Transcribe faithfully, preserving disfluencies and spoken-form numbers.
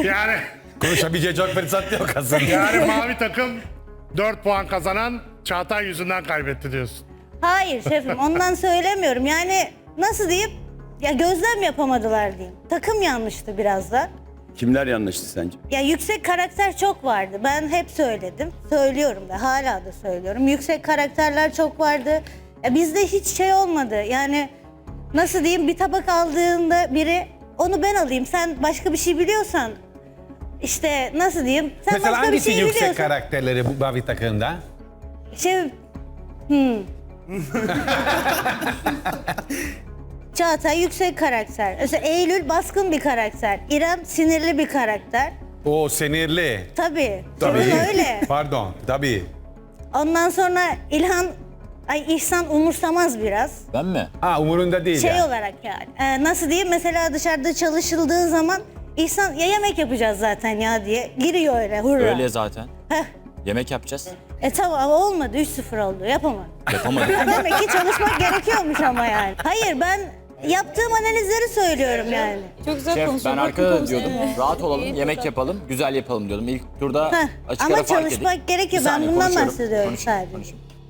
Yani Konuşabilecek çok fırsat yok aslında. yani mavi takım dört puan kazanan Çağatay yüzünden kaybetti diyorsun. Hayır şefim ondan söylemiyorum. Yani nasıl diyeyim? Ya gözlem yapamadılar diyeyim. Takım yanlıştı biraz da. Kimler yanlıştı sence? Ya yüksek karakter çok vardı. Ben hep söyledim. Söylüyorum da hala da söylüyorum. Yüksek karakterler çok vardı. Ya bizde hiç şey olmadı. Yani nasıl diyeyim bir tabak aldığında biri onu ben alayım. Sen başka bir şey biliyorsan işte nasıl diyeyim? Sen Mesela başka bir hangisi şey yüksek biliyorsan. karakterleri bu mavi takımda? Şey... Hmm. Çağatay yüksek karakter. Mesela Eylül baskın bir karakter. İrem sinirli bir karakter. O sinirli. Tabii. Tabii. Öyle. Pardon, tabii. Ondan sonra İlhan, ay İhsan umursamaz biraz. Ben mi? Ha umurunda değil Şey yani. olarak yani. Ee, nasıl diyeyim mesela dışarıda çalışıldığı zaman İhsan ya yemek yapacağız zaten ya diye giriyor öyle hurra. Öyle zaten. Heh. Yemek yapacağız. E tamam ama olmadı üç sıfır oldu yapamadım. Yapamadık. Ha, demek ki çalışmak gerekiyormuş ama yani. Hayır ben yaptığım analizleri söylüyorum yani. Çok güzel Şef ben konuşuyor. arkada da Bakın diyordum. konuşuyor. Rahat olalım, İyi, yemek güzel. yapalım, güzel yapalım diyordum. İlk turda Heh, açık ama ara fark çalışmak edin. gerekiyor. Bir Ben saniye, bundan konuşuyorum, bahsediyorum konuşayım, sadece. konuşayım.